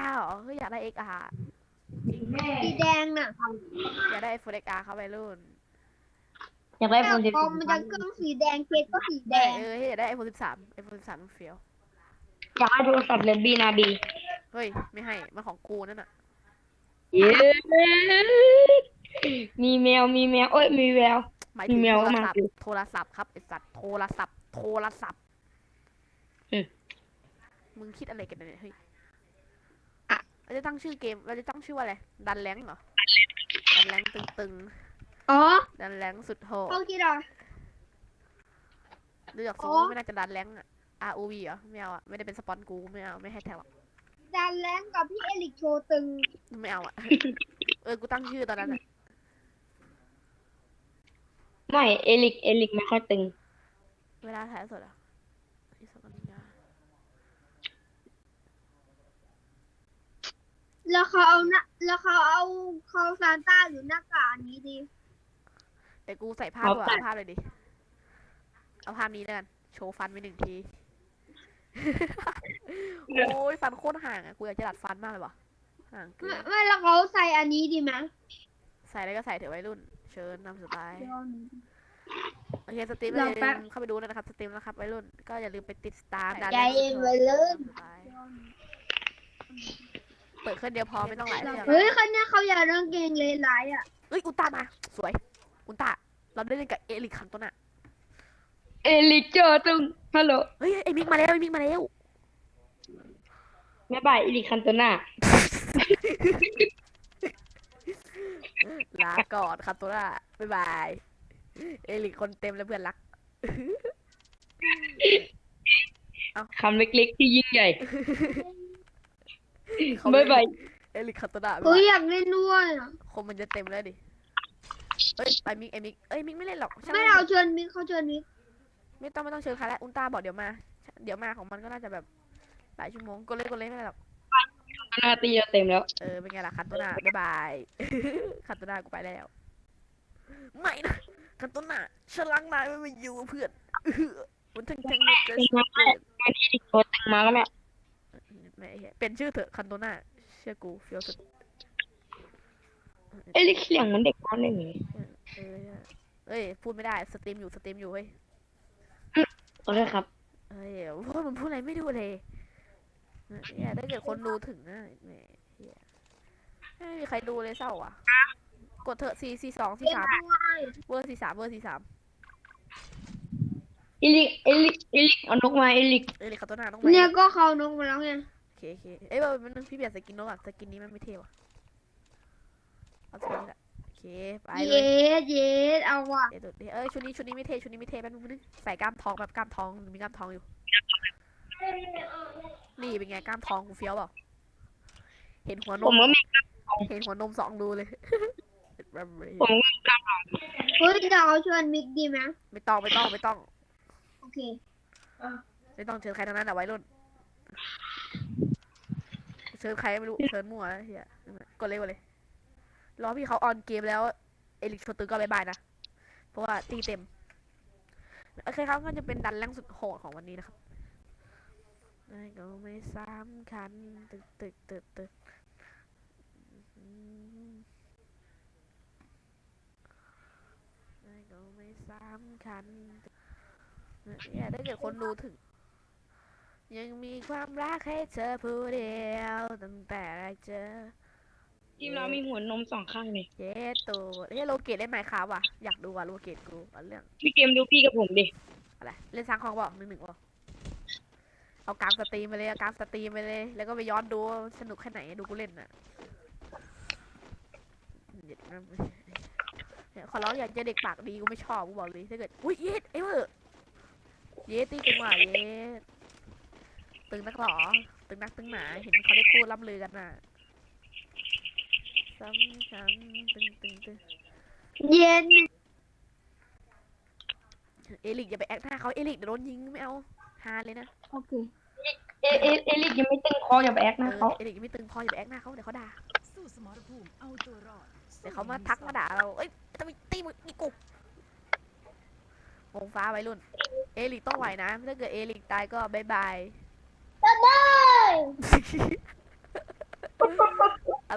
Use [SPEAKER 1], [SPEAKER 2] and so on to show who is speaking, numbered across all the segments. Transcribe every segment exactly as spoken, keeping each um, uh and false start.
[SPEAKER 1] ร์เหรอเฮ้ยอยากได้ เอ็กซ์ อาร์ จริง
[SPEAKER 2] สีแดงน่ะ
[SPEAKER 1] อยากได้ iPhone เอ็กซ์ อาร์ เข้าไปรุ่น
[SPEAKER 3] อยากได้
[SPEAKER 2] แต่
[SPEAKER 3] โฟนสิบ
[SPEAKER 2] คอมมันจะเครื่องสีแดงเคสก็สีแด
[SPEAKER 1] ได้
[SPEAKER 2] ง
[SPEAKER 1] เอออยากได้ iPhone สิบสาม iPhone สิบสามมันเฟี้ยว
[SPEAKER 3] อยากได้โทรศัพท์เลบีนาบี
[SPEAKER 1] เฮ้ยไม่ให้มันของกูนั่นน่ะ
[SPEAKER 3] เย้มีแมวมีแมวเอ้ยมีแวว
[SPEAKER 1] หมายถึง
[SPEAKER 3] มีแมว
[SPEAKER 1] โทร
[SPEAKER 3] ก็มา
[SPEAKER 1] ศัพท์
[SPEAKER 3] สิ
[SPEAKER 1] โทรศัพท์ครับไอสัตว์โทรศัพท์โทรศัพท์
[SPEAKER 3] อืม
[SPEAKER 1] มึงคิดอะไรกันเนี่ยเฮ้ย
[SPEAKER 3] อะ
[SPEAKER 1] เราจะตั้งชื่อเกมเราจะตั้งชื่อว่าอะไรดันแรงเหรอดันแรงตึง
[SPEAKER 2] อ๋อ
[SPEAKER 1] ๆดันแรงสุดโหด
[SPEAKER 2] เขาคิดเหรอ
[SPEAKER 1] ดูจากทร
[SPEAKER 2] อ๋
[SPEAKER 1] ง
[SPEAKER 2] อ
[SPEAKER 1] ไม่น่าจะดันแรงอะ อาร์ โอ วี เหรอไม่เอาอะไม่ได้เป็นสปอนกูไม่เอาไม่ให้แท็กหรอก
[SPEAKER 2] ดันแรงกับพี่เอลิกโชว์ตึง
[SPEAKER 1] ไม่เอาอะ เออกูตั้งชื่อตอนนั้นอะ
[SPEAKER 3] ไม่เอลิกเอลิกไม่ค่อยตึง
[SPEAKER 1] เวลาถ่ายสดอะอีสกันยา
[SPEAKER 2] แล้วเขาเอาหน้าแล้วเขาเอาเขาซานต้าหรือหน้ากากอันนี้ดี
[SPEAKER 1] แต่กูใส่ภาพ
[SPEAKER 3] เอา
[SPEAKER 1] ด้วย
[SPEAKER 3] แต่
[SPEAKER 1] เอาภาพเลยดิเอาภาพนี้แล้วกันโชว์ฟันไปหนึ่งที โอ้ยฟันโคตรห่างอะกูอยากจะดัดฟันมากเลยว่ะห่างเกิ
[SPEAKER 2] ไม่
[SPEAKER 1] น
[SPEAKER 2] ไม่แล้วเขาใส่อันนี้ดีไหม
[SPEAKER 1] ใส่อะไรก็ใส่เถอะวัยรุ่น เชิญนำสไตล์
[SPEAKER 2] เดี๋ยว
[SPEAKER 1] โอเคสตรีม
[SPEAKER 2] รอ
[SPEAKER 1] อย่า
[SPEAKER 2] แป๊
[SPEAKER 1] ลื
[SPEAKER 2] บ
[SPEAKER 1] มเข้าไปดูนะครับสตรีมนะครับวัยรุ่นก็อย่าลืมไปติดตามดัน
[SPEAKER 2] ใจเย็นวัยรุ่น
[SPEAKER 1] เปิดเครื่องเดียวพอไม่ต้องหลายเครื่อง
[SPEAKER 2] เฮ้ยคนเนี้ยเขาอยากเรื่องเกงเลยร้ายอ่ะ
[SPEAKER 1] เอ้ยอุลตร้ามาสวยอุลตร้าเราได้เล่นกับเอลิคคันตัวน่ะ
[SPEAKER 3] เอลิกเจอตึงฮัลโหล
[SPEAKER 1] เฮ้ยไอมิกมาแล้วไอมิกมาแล้ว
[SPEAKER 3] แม่บายเอลิกคันโตนา
[SPEAKER 1] ลาก่อนคันตัวน่ะบ๊ายบายเอลิคคนเต็มแล้วเพื่อนรัก
[SPEAKER 3] คำเล็กๆที่ยิ่งใหญ่
[SPEAKER 1] เขา
[SPEAKER 3] บ๊ายบาย
[SPEAKER 1] เอลิคคันตัวน่ะบ๊าย
[SPEAKER 2] เฮ้
[SPEAKER 1] บายย
[SPEAKER 2] อยากเล่นด้วยอ่ะ
[SPEAKER 1] คมมันจะเต็มแล้วดิเอ้ยไอมิกไอมิกเอ้ยมิกไม่เล่นหรอกช่าง
[SPEAKER 2] ไม่
[SPEAKER 1] น
[SPEAKER 2] เอาเชิญมิกเขาเชิญมิก
[SPEAKER 1] ไม่ต้องไม่ต้องเชิญใครแล้วอุลตร้าบอกเดี๋ยวมา เดี๋ยวมาของมันก็น่าจะแบบหลายชั่วโมงก็เล่นก็เล่นไม่ได้หรอก
[SPEAKER 3] หน้าตีเราเต็มแล้ว
[SPEAKER 1] เออเป็นไงล่ะคันตัวหน้าบ๊ายบาย คันตัวหน้ากูไปแล้วไม่นะคันตัวหน้าฉันล้างนายไม่มาอยู่เพื่อนอื้อมันทั้งทั้งหมดเลย
[SPEAKER 3] เป็นมาเอลิกโคตรตึงมาแล้วแม่
[SPEAKER 1] ไม่เหี้ยเป็นชื่อเถอะคันตัวหน้าเชื่อกูเฟี้ยวสุด
[SPEAKER 3] เอลิกเสียงเหมือนเด็กน้อยเลย
[SPEAKER 1] เออเอ้ยพูดไม่ได้สตรีมอยู่สตรีมอยู่เฮ้ย
[SPEAKER 3] ขอโทษครับ
[SPEAKER 1] เฮ้ยพูดมันพูดอะไรไม่ดูเลยเนี่ยถ้าเกิดคนดูถึงนะแหมเหี้ยไม่มีใครดูเลยเศร้าอ่ะกดเถอะสี่สี่สองสี่
[SPEAKER 2] เล่น
[SPEAKER 1] สาม
[SPEAKER 2] ด้วย
[SPEAKER 1] เวอร์สี่สามเวอร์สี่สาม
[SPEAKER 3] เอลิกเอลิกเอลิกเอานกมาเอลิก
[SPEAKER 1] เอ้ยคันตัวหน้าต้องไป
[SPEAKER 2] เนี่ยก็เขานกมาแล้วไง
[SPEAKER 1] โอเคโอเคเอ้ยว่ามันนึงพี่เปลี่ยนสกินนกอ่ะสกินนี้มันไม่เท่ว่ะเอาสกินนี้แหละโอเคไปเล
[SPEAKER 2] เย็
[SPEAKER 1] ย
[SPEAKER 2] ดเย็ดเอาว่ะ
[SPEAKER 1] เดี๋ยวดูดิเอ้ยชุดนี้ชุดนี้ไม่เท่ชุดนี้ไม่เท่แป๊บนึงแป๊บนึงใส่กล้ามทองแบบกล้ามทองมีกล้ามทองอยู่นี่เป็นไงกล้ามทองกูเฟี้ยวเปล่าเห็นหัวน
[SPEAKER 3] ผม
[SPEAKER 1] ม
[SPEAKER 3] ก็มี
[SPEAKER 1] เห็นหัวนมสองรูเลย
[SPEAKER 3] ผมก็มีกล้าม
[SPEAKER 2] เฮ้ยเดี๋ยวเขาเชิญมิกดีไหม
[SPEAKER 1] ไม่ต้องไม่ต้องไม่ต้อง
[SPEAKER 2] โอเค
[SPEAKER 1] ไม่ต้องเชิญใครทั้งนั้นอ่ะไว้รุ่นเชิญใครไม่รู้เชิญมั่วเฮียกดเลยกดเลยรอพี่เขาออนเกมแล้วเอลิกโชตึก็บายบายนะเพราะว่าตีเต็มโอเคครับก็จะเป็นดันแรงสุดโหดของวันนี้นะครับไม่ก็ไม่สำคัญตึกตึกตึกตึกไม่ก็ไม่สำคัญเนี่ยถ้าเกิดคนดูถึงยังมีความรักให้เธอผู้เดียวตั้งแต่แรกเจอ
[SPEAKER 3] ทีมเรามีหัวนมสองข้างเลย
[SPEAKER 1] เย้ตัวเฮ้ยโลเกตเล่นไหมครับว่ะอยากดูว่ะโลเกตกูเอาเรื่อง
[SPEAKER 3] พี่เกมดูพี่กับผมดิ
[SPEAKER 1] อะไรเล่นสร้างห้องบอกหนึ่งหนึ่งบอกเอากลางสตรีมไปเลยเอากลางสตรีมไปเลยแล้วก็ไปย้อนดูว่าสนุกแค่ไหนดูกูเล่นน่ะเด็ดนะเนี่ยขอร้องอยากเจอเด็กปากดีกูไม่ชอบกูบอกเลยถ้าเกิดอุ้ยเย็ดเอ้ยเวอร์เย็ดตีตึงว่ะเย็ดตึงนักหรอตึงนักตึงหนาเห็นเขาได้พูดล่ำลือกันน่ะซ้ำซ้ำตึงตึงตึง
[SPEAKER 2] เย็น
[SPEAKER 1] เอลิกอย่าไปแอคหน้าเขาเอลิกเดี๋ยวโดนยิงไม่เอาฮาเลยนะ
[SPEAKER 2] โอเค
[SPEAKER 3] เอเอเอลิกยังไม่ตึงคออย่าไปแอค
[SPEAKER 1] เอ
[SPEAKER 3] นะ
[SPEAKER 1] อ
[SPEAKER 3] เขา
[SPEAKER 1] เอลิกยังไม่ตึงพออย่าไปแอคหน้าเขาเดี๋ยวเขาด่า
[SPEAKER 4] สู้สมรภูมิเอาตัวรอด
[SPEAKER 1] เดี๋ยวเขามาทักมาด่าเราเอ้ยจะไปตีมึงนี่กูวงฟ้าไว้รุ่นเอลิกต้องไหวนะถ้าเกิดเอลิกตายก็บายบาย
[SPEAKER 2] บ๊ายบาย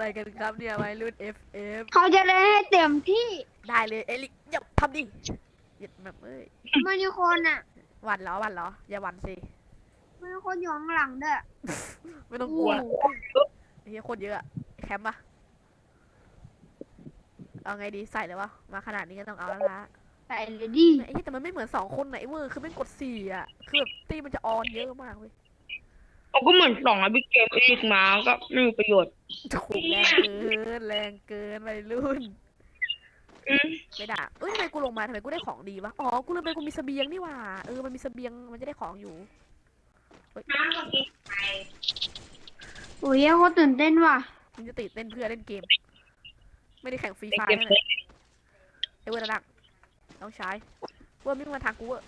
[SPEAKER 1] อะไรกันครับเนี่ยวัยรุ่น เอฟ เอฟ
[SPEAKER 2] เขาจะเล่นให้เต็มที่
[SPEAKER 1] ได้เลยเอลิกอย่าทำดิอย่าแบบเอ้ย
[SPEAKER 2] มันมีคนอ่ะ
[SPEAKER 1] หวันเหรอหวันเหรออย่าหวันสิ
[SPEAKER 2] มันมีคนอยู่ข้างหลังด้วย
[SPEAKER 1] ไม่ต้องกลัวเฮียโคตรเยอะอะแคมป์ปะเอาไงดีใส่เลยวะมาขนาดนี้ก็ต้องเอาแล้วละ
[SPEAKER 2] ใส่เลยดิ
[SPEAKER 1] ไอ้เหี้ยแต่มันไม่เหมือนสองคนไหนเว้ยคือไม่งกดสี่อ่ะคือแบบตีมันจะออนเยอะมากเว้ย
[SPEAKER 3] เขาก็เหมือนสองอะพี่เกมเอลิกมาก็ไม่มีประโยชน์
[SPEAKER 1] โหแรงเกินแรงเกินวัยรุ่น
[SPEAKER 3] อืม
[SPEAKER 1] ไม่ด่าเอ้ยทำไมกูลงมาทำไมกูได้ของดีวะอ๋อกูลืมไปกูมีเสบียงนี่หว่าเออมันมีเสบียงมันจะได้ของอยู่เฮ้ย
[SPEAKER 2] โอ้ยเขาตื่นเต้นว่ะ
[SPEAKER 1] มึงจะติดเล่นเพื่อเล่นเกม ไม่ได้แข่งฟรี
[SPEAKER 3] ใน
[SPEAKER 1] ไฟ
[SPEAKER 3] เกม
[SPEAKER 1] นั่น
[SPEAKER 3] เล
[SPEAKER 1] แห
[SPEAKER 3] ย
[SPEAKER 1] ละไอ้เวอร์ระดับต้องใช้เวอร์ไม่มาทางกูเวอร์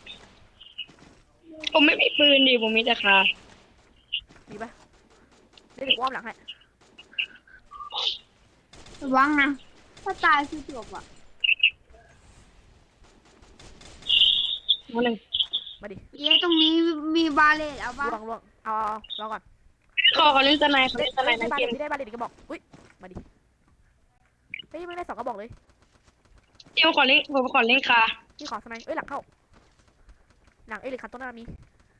[SPEAKER 3] ผมไม่มีปืนดิผมมีแต่คา
[SPEAKER 1] ดีปะเดี๋ยวกูอ้อมหลังให้
[SPEAKER 2] ระวังนะ ถ้าตายคือจบอ่ะ
[SPEAKER 3] มาหนึ่ง
[SPEAKER 1] มาดิ
[SPEAKER 2] เย้ตรงนี้มีบาเลตเอาบ้า
[SPEAKER 1] ล่วงล่วงเอาเอาเอารอก่อน
[SPEAKER 3] ขอเขาเล่นสไนเขา
[SPEAKER 1] ได้
[SPEAKER 3] เล่นสไน
[SPEAKER 1] ได้
[SPEAKER 3] ใน
[SPEAKER 1] บา
[SPEAKER 3] เก
[SPEAKER 1] เล
[SPEAKER 3] ม
[SPEAKER 1] ตได้บาเลตอีกกระบอกอุ้ยมาดิเฮ้ยไม่ได้สองกระบอกเลย
[SPEAKER 3] เกมขอเล่นผมขอเล่นคา
[SPEAKER 1] พี่ขอสไนด์เอ้ยหลังเข้าหลังเอลิคันต้นหน้ามี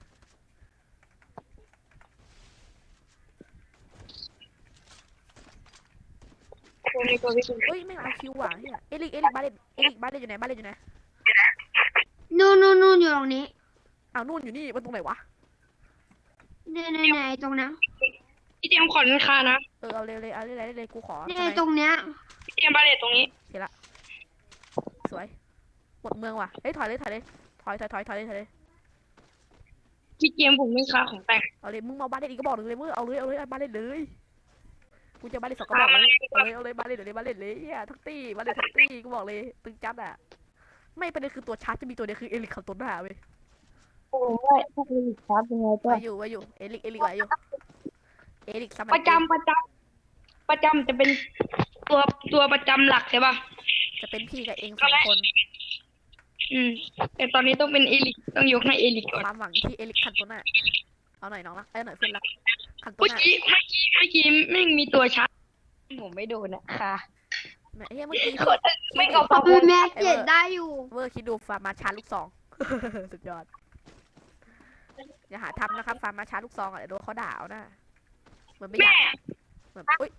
[SPEAKER 3] ตัวนี้ตัวพี่คุณ
[SPEAKER 1] เฮ้ยไม่เอาคิวว่ะเฮียเอลิกเอลิกบาเลตเอลิกบาเลตอยู่ไหนบาเลตอยู่ไหน
[SPEAKER 2] นู่นนู่นนู่นอยู่ตรงนี้
[SPEAKER 1] อ้าวนู่นอยู่นี่มันตรงไหนวะ
[SPEAKER 2] เนี่ยเนี่ยเนี่ยตรงนั้น
[SPEAKER 3] พี่เจมขอเล่นคานะ
[SPEAKER 1] เออเอาเลยเลยเอาเลยเลยเลยกูขอ
[SPEAKER 2] เนี่
[SPEAKER 1] ส
[SPEAKER 2] ย
[SPEAKER 1] ไนด์
[SPEAKER 2] ตรงเนี้ย
[SPEAKER 3] พี่เจมบาเลตตรงนี้
[SPEAKER 1] สวยหมดเมืองว่ะเฮ้ยถอยเลยถอยเลยถอยถอยถอยถอยเลยถอยเลย
[SPEAKER 3] พี่เจมผมเล่นคาของแต่ง
[SPEAKER 1] เอาเลยมึงมาบาเลตอีกกระบอกหนึ่งเลยมึงเอาเลยเอาเลยเอาบาเลตเลยกูจะบาเลตสองกระบอกเลยเอาเลยเอาเลยบาเลตเดี๋ยวเลยบาเลตเลยเฮียทั้งตี้บาเลตทั้งตี้กูบอกเลยตึงจัดอ่ะไม่ประเด็นคือตัวชาร์จจะมีตัวเดียวคือเอลิกคันต้นหน้าเว้ย
[SPEAKER 3] โอ้ยพวกนี้ครับยังไงก็
[SPEAKER 1] ไว้อยู่ไว้อยู่เอลิกเอลิกไว้อยู่เอลิกสมัย
[SPEAKER 3] ประจำประจำประจำจะเป็นตัวตัวประจำหลักใช่ป่ะ
[SPEAKER 1] จะเป็นพี่กับเองสองคน
[SPEAKER 3] อืมแต่ตอนนี้ต้องเป็นเอลิกต้องยกให้เอลิกก่อน
[SPEAKER 1] ความหวังที่เอลิกคันโตน่าเอาหน่อยน้องรักเอ้ยหน่อยเพื่อนรักคันโต
[SPEAKER 3] เมื่อ
[SPEAKER 1] น่า
[SPEAKER 3] กี้เมื่อกี้เมื่อกี้ไม่มีตัวชาร์จผมไม่โดนอะค่ะ
[SPEAKER 1] แม่เฮ้ยเมื่อกี้
[SPEAKER 3] ไม่เอาพอ
[SPEAKER 2] คือแม็กเจ็ดได้อยู่
[SPEAKER 1] เวอร์คิดดูฟาร์มาชาร์จลูกซอง สุดยอดอย่าหาทำนะครับฟาร์มาชาร์จลูกซองอ่ะเดี๋ยวโดนเขาด่าเอานะเหมือนไม่อ
[SPEAKER 3] แม่
[SPEAKER 1] ยากเหมือนอุ้ย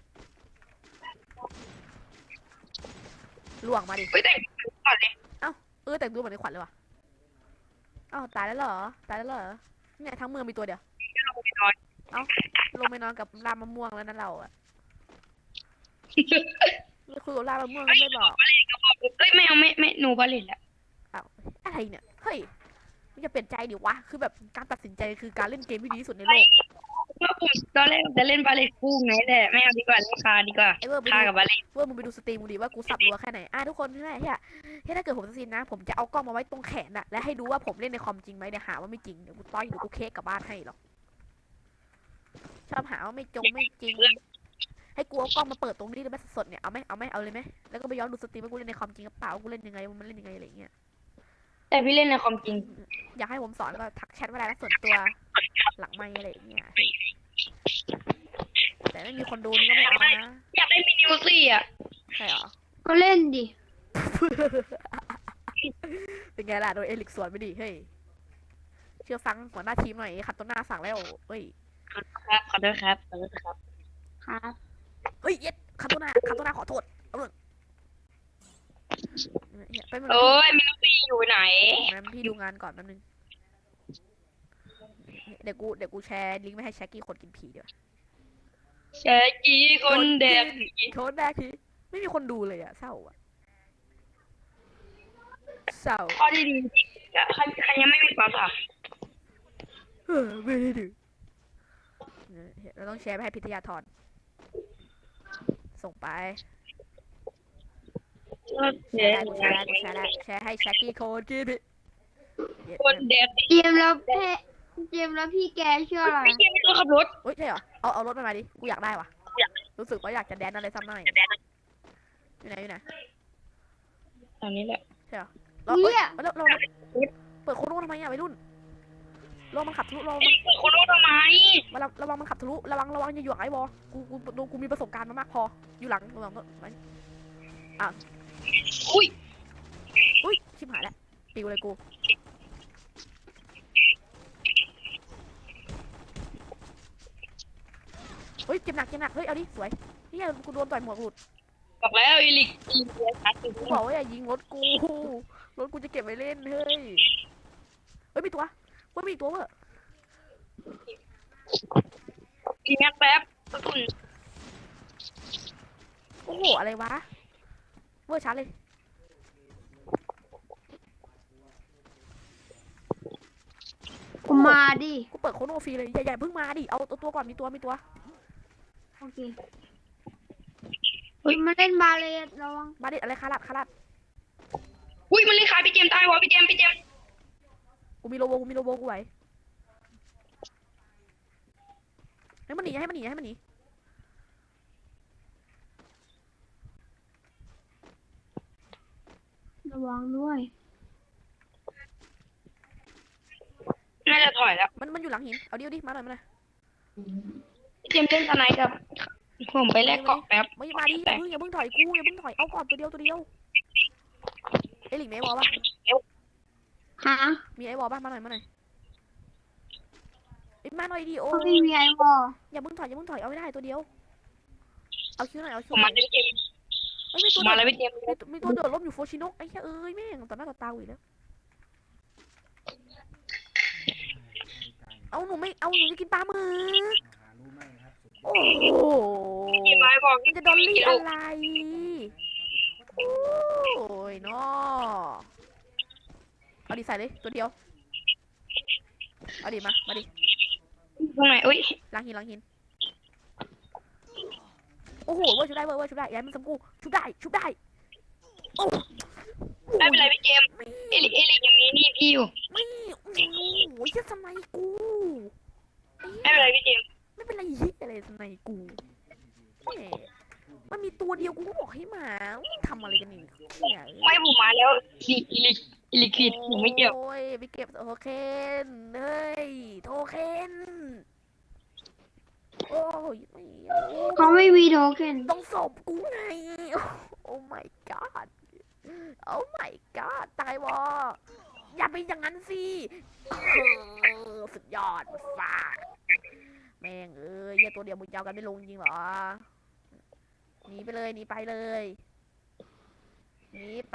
[SPEAKER 1] ล่วงมาดิ
[SPEAKER 3] ไปแต่งก่อนเลย
[SPEAKER 1] เออแต่งตัวเหมือนในขวัญเลยว่ะอ้าวตายแล้วเหรอตายแล้วเหรอเนี่ยทั้งเมืองมีตัวเดียว
[SPEAKER 3] ลงไปนอน
[SPEAKER 1] ลงไปนอนกับรามมะม่วงแล้วนั่นเราอะไม่คุยกับรามมะม่วงไม่บอก
[SPEAKER 3] เอ้ยไม่เอาไม่ไม่หนูบาเลนแล้ว
[SPEAKER 1] อ้าวอะไรเนี่ย เฮ้ยมันจะเปลี่ยนใจดิวะ คือแบบการตัดสินใจคือการเล่นเกมที่ดีที่สุดในโลก
[SPEAKER 3] เมื่อผมตอนแรกจะเล่นบาเลนคู่ไงแต่ไม่เอาดีกว่าเล่นคาดีกว่า
[SPEAKER 1] ไอ้เวอร์ไป
[SPEAKER 3] คา
[SPEAKER 1] ดู
[SPEAKER 3] กับบาเลน
[SPEAKER 1] เวอร์มึงไปดูสตรีมมึงดิว่ากูสับรัวแค่ไหน อ่ะทุกคนที่ไหนเฮียเฮียถ้าเกิดผมจะซีนนะ ผมจะเอากล้องมาไว้ตรงแขนอะและให้ดูว่าผมเล่นในคอมจริงไหมเดี๋ยวหาว่าไม่จริง เดี๋ยวกูต้อยเดี๋ยวกูเค้กกลับบ้านให้หรอก ชอบหาว่าไม่จงไม่จริง ให้กูเอากล้องมาเปิดตรงนี้เลยไหมสดๆเนี่ย เอาไหมเอาไหมเอาเลยไหมแล้วก็ไปย้อนดูสตรีมว่ากูเล่นในคอมจริงหรือเปล่ากูเล่นยังไงมันเล่นยังไงอะไรอย่างเงี้ย
[SPEAKER 3] แต่พี่เล่นในคอมจริง
[SPEAKER 1] อยากให้ผมสอนก็ทักแชทมาได้นะส่วนตัวหลังไมค์อะไรอย่างเงี้ยแต่ไม่มีคนดูนี่ก็ไม่เอานะ
[SPEAKER 3] อยากได้มินิวซี่อ่ะ
[SPEAKER 1] ใช่เหรอ
[SPEAKER 2] ก็เล่นดิ
[SPEAKER 1] เป็นไงล่ะโดนเอลิกสวนไปดิเฮ้ยเชื่อฟังหัวหน้าทีมหน่อยขัดต้นหน้าสั่งแล้วเฮ้ย
[SPEAKER 3] ครับขอโทษครับขอโทษครับ
[SPEAKER 2] ครับ
[SPEAKER 1] เฮ้ยเย็ดขัดต้นหน้าขัดต้นหน้าขอโทษเอาเลยไปมัน
[SPEAKER 3] โอ้ยมินิวซี่อยู่ไหน
[SPEAKER 1] งั้นพี่ดูงานก่อนแป๊บนึงเดี๋ยวกูเดี๋ยวกูแชร์ลิงก์ไม่ให้แชกกี้คนกินผีเดี๋ยว
[SPEAKER 3] แชกี้คนเด็ก
[SPEAKER 1] โทษแรกทีไม่มีคนดูเลยอะเศร้าอะเศร้า
[SPEAKER 3] ข้อที่ดีใครใครยังไม่มีความสัม
[SPEAKER 1] เออไม่ได้ดูเราต้องแชร์ไปให้พิทยาธรส่งไป
[SPEAKER 3] แช
[SPEAKER 1] แชร์
[SPEAKER 3] ร์
[SPEAKER 1] ได้กูแชร์ได้กูแชร์ได้แชร์ให้แชกกี้โคนกินพี่
[SPEAKER 3] คนเด็ก
[SPEAKER 2] เจมส์แล้วเพเจมส์แล้วพี่แกชื่ออะไร
[SPEAKER 3] ไม่ใช่ไม่ต้องขับรถ
[SPEAKER 1] เฮ้ยใช่เหรอเอาเอารถมามาดิกูอยากได้ว่ะรู้สึกว่าอยากจะแดนอะไรสักหน่อยอยู่ไหนอยู่ไหน
[SPEAKER 3] ตอนนี้แหละ
[SPEAKER 1] เราเอ้ยเราเราเปิดโคโน่ทำไมอะวัยรุ่นระวังมันขับทะลุระวัง
[SPEAKER 3] เอลิกเปิดโคโน่ทำไม
[SPEAKER 1] มันระวังมันขับทะลุระวังระวังอย่าหยวกไอ้บอกูกูกูกูมีประสบการณ์มามากพออยู่หลังระวังไว้
[SPEAKER 3] อุ้ย
[SPEAKER 1] อุ้ยชิบหายแล้วปิวเลยกูเฮ้ยเจ็บหนักเจ็บหนักเฮ้ยเอาดิสวยนี่ไงกูโดนต่อยหมวกหลุด
[SPEAKER 3] บอกแล้วเอลิกเอลิกเสียชัดอยู่
[SPEAKER 1] กูบอกว่าอย่ายิงรถกูรถกูจะเก็บไว้เล่นเฮ้ยเฮ้ยมีตัวเฮ้ยมีตัวเว้ย
[SPEAKER 3] อีแม็กแป๊บกระสุน
[SPEAKER 1] โอ้โหอะไรวะเวอร์ชัดเลย
[SPEAKER 2] กูมาดิ
[SPEAKER 1] กูเปิดโคโนฟรีเลยอย่าอย่าเพิ่งมาดิเอาตัวตัวก่อนมีตัวมีตัว
[SPEAKER 2] โอเคมาเล่นบาเลตระวัง
[SPEAKER 1] มาดิอะไรคารัดคารัด
[SPEAKER 3] อุ้ยมันเลยขายพี่เจมส์ตายวะพี่เจมส์พี่เจมส์
[SPEAKER 1] กูมีโลโบกูมีโลโบกูไหวให้มันหนีให้มันหนีให้มันหนี
[SPEAKER 2] ระวังด้วย
[SPEAKER 3] น่าจะถอยแล้ว
[SPEAKER 1] มันมันอยู่หลังหินเอาดิเอาดิมาหน่อยมาหน่อย
[SPEAKER 3] พี่เจมส์เล่นตอนไหนกับผมไปแลกเกาะแป๊บ
[SPEAKER 1] ไม่มาดิอย่าเพิ่งอย่าเพิ่งถอยกูอย่าเพิ่งถอยเอาก่อนตัวเดียวตัวเดียวเอลิกมีไอวอลปะ
[SPEAKER 2] ฮะ
[SPEAKER 1] มีไอวอลปะมาหน่อยมาหน่อยเอ้ยมาหน่อยดิโอ้
[SPEAKER 2] เขาไม่มีไอวอล
[SPEAKER 1] อย่าเพิ่งถอยอย่าเพิ่งถอยเอาไม่ได้ตัวเดียวเอาคิวหน่อยเอาคิ
[SPEAKER 3] ผ
[SPEAKER 1] ว
[SPEAKER 3] ม
[SPEAKER 1] หน่
[SPEAKER 3] มา
[SPEAKER 1] อย
[SPEAKER 3] เลยพี่เจมส์
[SPEAKER 1] เอ้ยมี
[SPEAKER 3] ผ
[SPEAKER 1] ตัว
[SPEAKER 3] มมา
[SPEAKER 1] เดื
[SPEAKER 3] เล
[SPEAKER 1] อย ด
[SPEAKER 3] พี่เจมส์
[SPEAKER 1] มีตัวมีตัวเดือดล้มอยู่โฟชิโนะไอ้เหี้ยเอ้ยแม่งต่อหน้าต่อตาอีกแล้วเอาหนูไม่เอาหนูจะกินปลาหมึกโอ้โห
[SPEAKER 3] พี่ไม้บอก
[SPEAKER 1] มันจะดอลลี่อะไรโอ้ยน้อเอาดิใส่เลยตัวเดียวเอาดิมามาดิ
[SPEAKER 3] ตรงไหนอุ้ย
[SPEAKER 1] ล้างหินล้างหินโอ้โหเว้ยชุบได้เว้ยเว้ยชุบได้ย้ายมันสมกูชุบได้ชุบได้โอ้
[SPEAKER 3] ไม่เป็นไรพี่เจมส์เอลิกเอลิกยังมีนี่พี่อยู่
[SPEAKER 1] ไม่โอ้โหยัดสไนกู
[SPEAKER 3] ไม่เป็นไรพี่เจมส์
[SPEAKER 1] ไม่เป็นไรเหี้ยอะไรสไนกูแหมมันมีตัวเดียวกูก็บอกให้มามึงทำอะไรกันนี่เนี่ย
[SPEAKER 3] ไม่ผมมาแล้วเอลิกเอลิกเอลิกผิดผมไม่เกี่ยว
[SPEAKER 1] โอ้ยไปเก็บโทเคนเฮ้ยโทเคนโอ้ยไม่
[SPEAKER 2] เขาไม่มีโทเค็น
[SPEAKER 1] ต้องศพกูไงโอ้ my god โอ้ my god ตายวออย่าไปอย่างนั้นสิเออสุดยอดฟ้าแม่งเอ้ยเหี้ยตัวเดียวมึงจะเอากันไม่ลงจริงเหรอหนีไปเลยหนีไปเลยหนีไป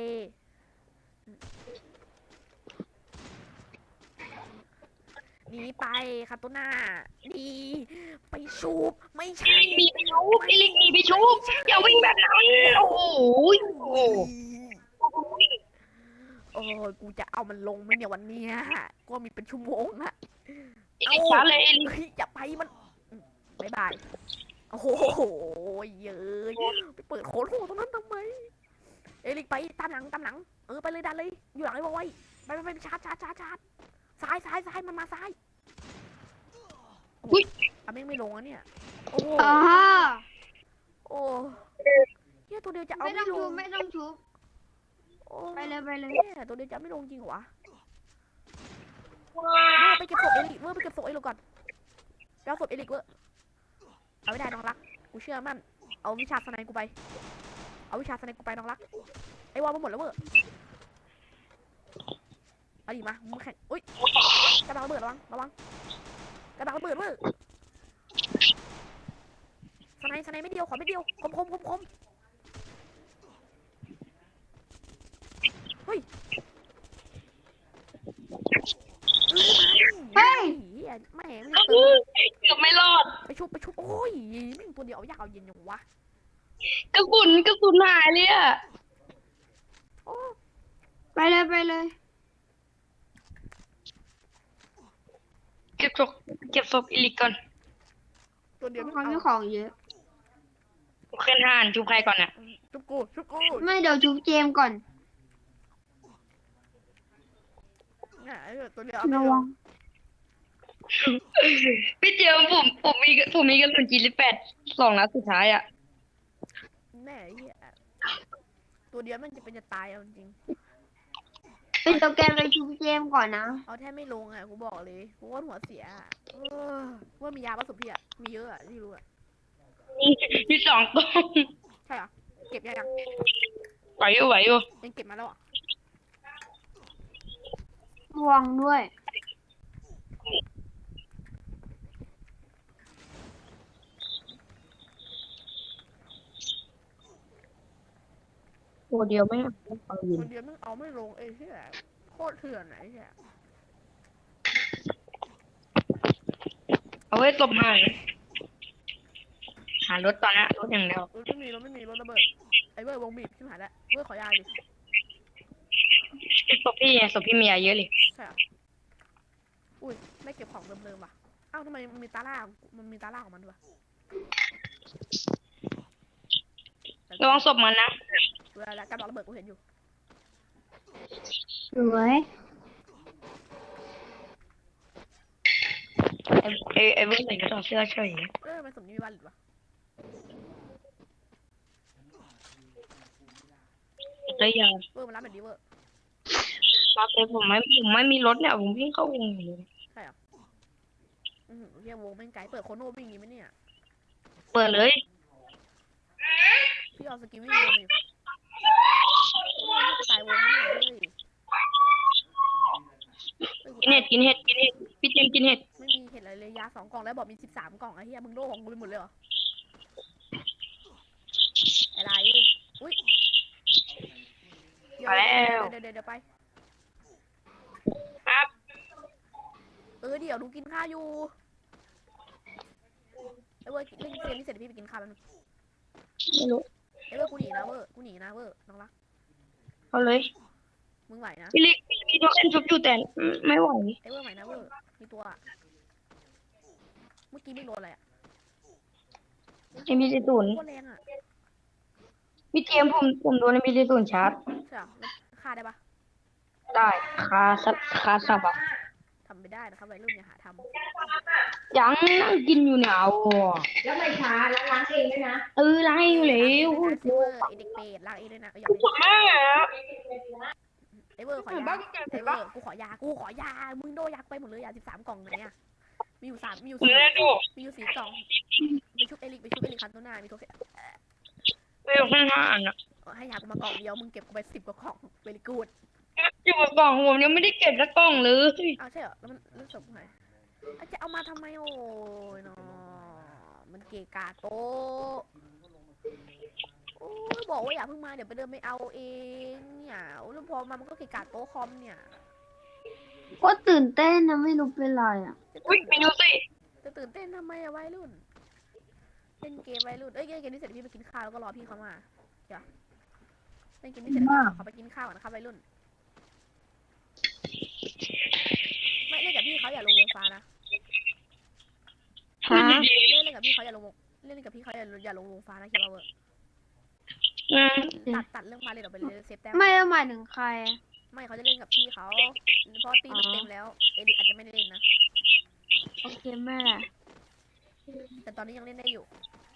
[SPEAKER 1] หนีไปครับตัวหน้าหนีไปชูบไม่ใช่
[SPEAKER 3] มีไปชุบเอลิกมีไปชุบอย่าวิ่งแบบนั้นโอ้โหโอ้โห
[SPEAKER 1] โอ้ยกูจะเอามันลงไหมเนี่ยวันเนี้ยก็มีเป็นชั่วโมงอะ
[SPEAKER 3] เอลิกช้าเลยเอลิก
[SPEAKER 1] เฮ้ยอย่าไปมันบายบายโอ้โหเย้ยไปเปิดโค้ดโหตรงนั้นทำไมเอลิกไปตามหลังตามหลังเออไปเลยดันเลยอยู่หลังไอ้บอยไปไปไปชาร์จชาร์จชาร์จชาร์จซ้ายซ้ายซ้ายมันมาซ้ายอุ้ยอ่ะแม่งไม่ลงอ่ะเนี่ยโอ้โห
[SPEAKER 2] อ๋อ
[SPEAKER 1] โอ้เฮียตัวเดียวจะเอา
[SPEAKER 2] ไม่
[SPEAKER 1] ไม่
[SPEAKER 2] ต้อง
[SPEAKER 1] ล
[SPEAKER 2] ทุ
[SPEAKER 1] ง
[SPEAKER 2] บไม่ต้องทุบ
[SPEAKER 1] โอ้
[SPEAKER 2] ไปเลยไปเลย
[SPEAKER 1] เนี่ยตัวเดียวจะไม่ลงจริงเหรอวะเวอร์ไปเก็บศพเอลิกเวอร์ไปเก็บศพเอลิกก่อนไปเอาศพเอลิกเวอร์เอาไม่ได้น้องรักกูเชื่อมั่นเอาวิชาสไนกูไปเอาวิชาสไนกูไปน้องรักไอ้วอลมาหมดแล้วเวอร์เอาดิมามึงแข่งอุ้ยกระดาษระเบิดระวังระวังกระดาษระเบิดเวอร์สไนสไนไม่เดียวขอไม่เดียวคมคมคมคมเฮ้ย
[SPEAKER 2] เฮ้ย
[SPEAKER 1] แม่ง
[SPEAKER 3] เกือบไม่รอด
[SPEAKER 1] ไปชุบไปชุบโอ้ยนี่ตัวเดียวเอายากเอาเย็นอย่างวะ
[SPEAKER 3] กระสุนกระสุนหายเลยอะ
[SPEAKER 1] โอ้
[SPEAKER 2] ไปเลยไปเลย
[SPEAKER 3] เก็บศพเก็บศพเอลิกก่อน
[SPEAKER 1] ตัวเดียว
[SPEAKER 2] เขามีของเยอะ
[SPEAKER 3] เคลื่อนห่านชุบใครก่อนเนี่ย
[SPEAKER 1] ชุบกูชุบกู
[SPEAKER 2] ไม่เดี๋ยวชุบเจมส์ก่อน
[SPEAKER 1] เนี่ยตัวเดียวเอา
[SPEAKER 2] ระ
[SPEAKER 1] ไม่ล
[SPEAKER 2] วั
[SPEAKER 1] ง
[SPEAKER 2] ง
[SPEAKER 3] พี่เจียวผมผมมีผมมีกระสุนจีริแปดสองนัดสุดท้ายอะ
[SPEAKER 1] แน่เหี้ยตัวเดียวมันจะเป็นจะตายเอาจริง
[SPEAKER 2] เป็นตัวแกนไปชุบเจมก่อนนะ
[SPEAKER 1] เอาแทบไม่ลงอ่ะกูบอกเลยกูว่าหัวเสียอะเออว่ามียาผสมพี่อ่ะมีเยอะอ่ะที่รู้อ่ะ
[SPEAKER 3] มีมีสองกล่อง
[SPEAKER 1] ใช่เหรอเก็บยังยัง
[SPEAKER 3] ไหวอยู่ไหวอยู่
[SPEAKER 1] ยังเก็บมาแล้วอ่ะ
[SPEAKER 2] ม่วงด้วย
[SPEAKER 3] ตัวเดียวไม่เอาอยู่
[SPEAKER 1] คนเดียวมันเอาไม่ลงเอ้ยเหี้ยโคตรเถื่อนไหนเหี้ย
[SPEAKER 3] เอาไว้ตบหายหารถตอนนี้รถอย่างเดียว
[SPEAKER 1] รถไม่มีรถไม่มีรถระเบิดไอ้เว้ยวงบีบชิบหายแล้วเว้ยขอยาดิ
[SPEAKER 3] ศพพี่ไงศพพี่มีเยอะเลย
[SPEAKER 1] ใช่เหรออุ้ยไม่เก็บของเดิมๆว่ะอ้าวทำไมมันมีตาล่าของมันมีตาล่าของมันด้วยวะ
[SPEAKER 3] ระวังศพมันนะ
[SPEAKER 1] เวลาแล้วการบอกระเบิดกูเห็นอยู่
[SPEAKER 2] สวย
[SPEAKER 3] ไอ้ไอ้ไอ้เพื่อนใส่กระสอบเสื้อเฉย
[SPEAKER 1] เออมันสมนี้มีวันหรือวะ
[SPEAKER 3] เลยยา
[SPEAKER 1] เวอร์มันรับแบบนี้เวอร์
[SPEAKER 3] รับเลยผมไม่ผมไม่มีรถเนี่ยผมวิ่งเข้าวงอยู่เลย
[SPEAKER 1] ใช่เหรออือหือเฮียวงแม่งไกลเปิดโคโน่วิ่งอย่างงี้ไหมเนี่ย
[SPEAKER 3] เปิดเลย
[SPEAKER 1] พี่เอาสกิลวิ่งวงมาอยู่โอ้ยตายวงนี่เลยเฮ้ย
[SPEAKER 3] กินเห็ดกินเห็ดกินเห็ดพี่เจมส์กินเห็ด
[SPEAKER 1] ไม่มีเห็ดอะไรเลยยาสองกล่องแล้วบอกมีสิบสามกล่องไอ้เหี้ยมึงโดของกูไปหมดเลยเหรออะไรอุ้ยเดี๋ยว
[SPEAKER 3] มาแล้ว
[SPEAKER 1] เดี๋ยวเดี๋ยวเดี๋ยวไป
[SPEAKER 3] ครับ
[SPEAKER 1] เออเดี๋ยวดูกินข้าวอยู่ไอ้เว้ยเล่นเกมนี้เสร็จเดี๋ยวพี่ไปกินข้าวแล้วนึง
[SPEAKER 3] ไม่รู้
[SPEAKER 1] ไอ้เว้ยกูหนีนะเว้ยกูหนีนะเว้ยน้องรัก
[SPEAKER 3] เอาเลย
[SPEAKER 1] มึงไหวนะ
[SPEAKER 3] พี่ลิกพี่ต้องเล่นชุบอยู่แต่ไม่ไหว
[SPEAKER 1] ไอ้เว้ยไหวนะเว้ยมีตัวอะเมื่อกี้ไม่โดนอะไรอะ
[SPEAKER 3] เอ็มพีซีศูนย์
[SPEAKER 1] โคตรแรงอะ
[SPEAKER 3] พี่เจมส์ผมผมโดนเอ็มพีซีศูนย์ชาร์จ
[SPEAKER 1] ใช่เหรอแล้วฆ่าได้ปะ
[SPEAKER 3] ได้คาสับคาสับอ่ะ
[SPEAKER 1] ทำไม่ได้นะครับวัยรุ่นอย่าหาทำ
[SPEAKER 3] ยังนั่งกินอยู่เนี่ยเอา
[SPEAKER 2] แล้วไม่ช้าแล้วล้างเองด้วยนะ
[SPEAKER 3] เออล้างให้อยู่แล้ว
[SPEAKER 1] ไอ้เวอร์ไอ้เด็กเปรตลากเองด้วยนะเอออย่าไป
[SPEAKER 3] ปวดมากอะ
[SPEAKER 1] ไอ้เวอร์ขอยาไอ้เวอร์กูขอยากูขอยามึงโดยักไปหมดเลยยาสิบสามกล่องไหนอะมีอยู่สามมีอยู่
[SPEAKER 3] ผม
[SPEAKER 1] สี่
[SPEAKER 3] เล่นดู
[SPEAKER 1] มีอยู่สี่กล่องไปชุบเอลิกไปชุบเอลิกคันตัวหน้ามีตัวแค่
[SPEAKER 3] เรื่องข้างห้าอันอะ
[SPEAKER 1] ให้ยากูมากล่องเดียวมึงเก็บกูไปสิบกว่ากล่องเวลิกูด
[SPEAKER 3] อยู่กับกล่องผมยังไม่ได้เก็บสักกล่องเลย
[SPEAKER 1] อ้าวใช่เหรอแล้วมันแล้วศพไหนอาจจะเอามาทำไมโอ้ยเนาะมันเกะกะโตะโอ้ยบอกว่าอย่าเพิ่งมาเดี๋ยวไปเดินไปเอาเองเนี่ยแล้วพอมามันก็เกะกะโต๊ะคอมเนี่ย
[SPEAKER 2] ก็ตื่นเต้นนะไม่รู้เป็นไรอ่ะ
[SPEAKER 3] อุ้ยไปดูสิ
[SPEAKER 1] จะตื่นเต้นทำไมอะวัยรุ่นเล่นเกมวัยรุ่นเอ้ยเล่นเกมนี้เสร็จพี่ไปกินข้าวแล้วก็รอพี่เขามาเดี๋ยวเล่นเกมนี้เสร็จแล้วเขาไปกินข้าวก่อนนะครับวัยรุ่นไม่เล่นกับพี่เขาอย่าลงวงฟ้านะ
[SPEAKER 2] ฮะ
[SPEAKER 1] เล่นเล่นกับพี่เขาอย่าลงวงเล่นกับพี่เขาอย่าอย่าลงวงฟ้านะคิดว่าเวอร์
[SPEAKER 3] อืม
[SPEAKER 1] ตัดตัดเรื่องมาเลยเดี๋ยวไปเลยเซฟแต้ม
[SPEAKER 2] ไม่ได้หมายถึงใคร
[SPEAKER 1] ไม่เขาจะเล่นกับพี่เขาเพราะตีมันเต็มแล้วเอริอาจจะไม่ได้เล่นนะ
[SPEAKER 2] โอเคแม่
[SPEAKER 1] แต่ตอนนี้ยังเล่นได้อยู่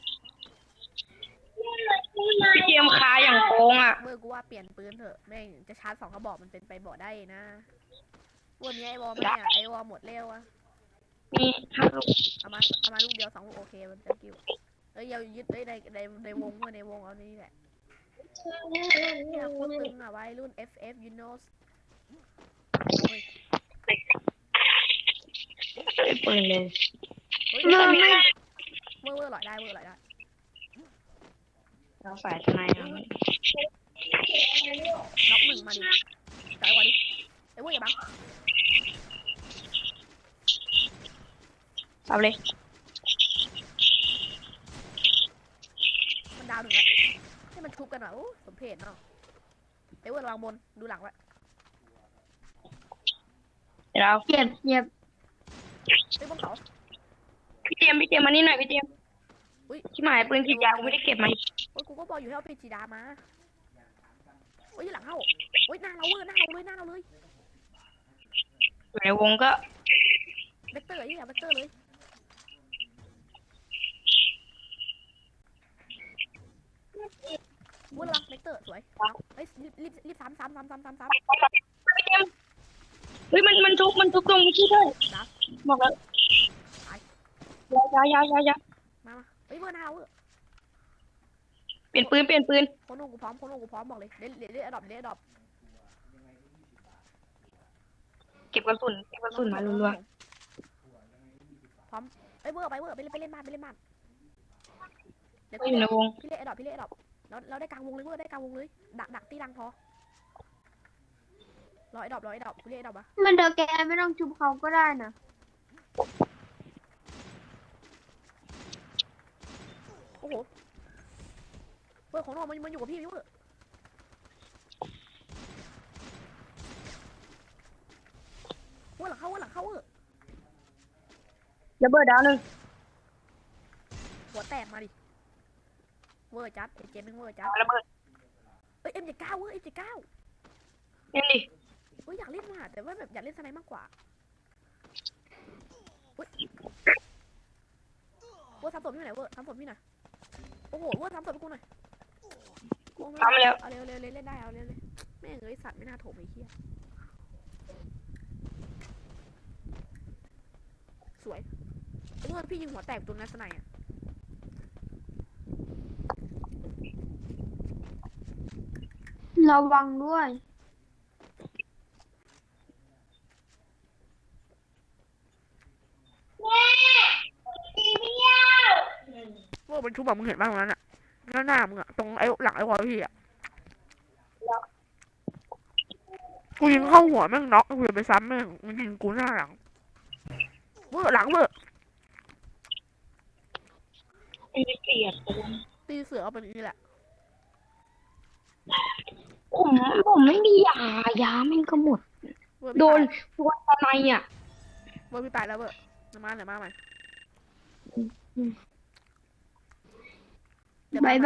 [SPEAKER 3] พี่เจมส์คาอย่างโกงอ่ะ
[SPEAKER 1] เมื่อกูว่าเปลี่ยนปืนเถอะแม่งจะชาร์จสองกระบอกมันเป็นไปบอกได้นะวันนี้ไอวอลไม่อะไอวอลหมดเร็วอะ
[SPEAKER 3] นี่ห้าลูก
[SPEAKER 1] เอามาเอามาลูกเดียวสองลูกโอเคมันจะกิ้วเอ้ยอย่ายึดเอ้ยในในในวงเว้ยในวงเอานี่แหละเนี่ยโคตรตึงอะวัยรุ่น เอฟ เอฟ you know เฮ้ย
[SPEAKER 3] เลยปืนเลย
[SPEAKER 1] เฮ้ย
[SPEAKER 2] เมื่อไม่
[SPEAKER 1] เวอร์เวอร์หลอยได้เวอร์หลอยได้
[SPEAKER 3] เราฝ่ายทนายนะ
[SPEAKER 1] น็อกหนึ่งมาดิจ่ายกว่าดิไอ้เวอร์อย่าบัง
[SPEAKER 3] เอาเลย
[SPEAKER 1] มันดาวหนึ่งละให้มันชุบกันหน่อยโอ้สมเพชเนาะไอ้เวอร์ระวังบนดูหลังไว้
[SPEAKER 3] เดี๋ยวเรา
[SPEAKER 2] เจ็บเจ็บ
[SPEAKER 1] ไอ้ยบนเขา
[SPEAKER 3] พี่เจมส์พี่เจมส์มานี่หน่อยพี่เจมส์
[SPEAKER 1] อุ้ย
[SPEAKER 3] ที่หมายปืนฉีดยากูไม่ได้เก็บมา
[SPEAKER 1] โอ้ยกูก็บอกอยู่ให้เอาเพชรจีดามาโอ้ยหลังเข้าโอ้ยหน้าเราเวอร์หน้าเราเลยหน้าเราเลย
[SPEAKER 3] อยู่ในวงก็
[SPEAKER 1] เวกเตอร์ไอ้เหี้ยเวกเตอร์เลยเวอร์ระวังเวกเตอร์สวยเฮ้ยรีบรีบรีบซ้ำซ้ำซ้ำซ้ำซ้ำซ้ำ
[SPEAKER 3] พี่เจมส์เฮ้ยมันมันทุบมันทุบตรงนี้ด้วย
[SPEAKER 1] ดัก
[SPEAKER 3] บอกแล้ว
[SPEAKER 1] ตาย
[SPEAKER 3] ยายายายา
[SPEAKER 1] มามาเฮ้ยเบอร์หน้าเวอร์
[SPEAKER 3] เปลี่ยนปืนเปลี่ยนปืน
[SPEAKER 1] โคโน่กูพร้อมโคโน่กูพร้อมบอกเลยเล่นเล่นเล่นอดอปเล่นอดอป
[SPEAKER 3] เก็บกระสุนเก็บกระสุนมารัว
[SPEAKER 1] พร้อมเอ้ยเวอร์ไปเวอร์ไปเล่นไปเล่นบ้านไปเล่นบ้าน
[SPEAKER 3] ๆ
[SPEAKER 1] เดี๋ยว
[SPEAKER 3] ก็อยู่ในวง
[SPEAKER 1] พี่เล่นอดอปพี่เล่นอดอปเราเราได้กลางวงเลยเวอร์ได้กลางวงเลยดักดักตีดังพอรอไอ้ดอปรอไอ้ดอปพี่เล่นไอ้ดอปปะ
[SPEAKER 2] มันเดอแกไม่ต้องชุบเขาก็ได้นะ
[SPEAKER 1] โอ้โหเวอร์ของโน่มันมันอยู่กับพี่เวอร์เวอร์หลังเข้าเวอร์หลังเข้าเวอร์
[SPEAKER 3] ระเบิดดาวหนึ่ง
[SPEAKER 1] หัวแตกมาดิเวอร์จัดเจนหนึ่งเวอร์จัด
[SPEAKER 3] ระเบิด
[SPEAKER 1] เอ้ยเอ็มเจ็ดเก้าเวอร์เอ็มเจ็ดเก้า
[SPEAKER 3] เล่นดิ
[SPEAKER 1] เอ้ยอยากเล่นว่ะแต่ว่าแบบอยากเล่นสไนด์มากกว่าเว้ยเวอร์ทำศพพี่หน่อยเวอร์ทำศพพี่หน่อยโอ้โหเวอร์ทำศพให้กูหน่อยโอ้ไม่
[SPEAKER 3] ทำแล้ว
[SPEAKER 1] เอาเร็วเร็วเร็วเล่นได้เอาเร็วเลยแม่งเอ้ยสัตว์ไม่น่าโถมไอ้เหี้ยสวยไอ้เวอร์พี่ยิงหัวแตกตัวนั้นสไนด์อ่ะ
[SPEAKER 2] ระวังด้วย
[SPEAKER 1] เวอร์มันชุบแบบมึงเห็นบ้างตรงนั้นอ่ะหน้าหน้ามึงอ่ะตรงไอ้หลังไอ้วอลพี่อ่ะกูยิงเข้าหัวแม่งน็อกกูจะไปซ้ำแม่งมันยิงกูหน้าหลังเวอร์หลังเวอร์
[SPEAKER 3] ไอ้เกลียด
[SPEAKER 1] ตีเสือเอาเป็นอย่างนี้แหละ
[SPEAKER 3] ผมผมไม่มียายาแม่งก็หมด
[SPEAKER 1] เวอร์พี่
[SPEAKER 3] โดน
[SPEAKER 1] ตาย
[SPEAKER 3] โดนอะไรอ่ะ
[SPEAKER 1] เวอร์พี่ตายแล้วเวอร์เดี๋ยวมาเดี๋ยวมาใหม่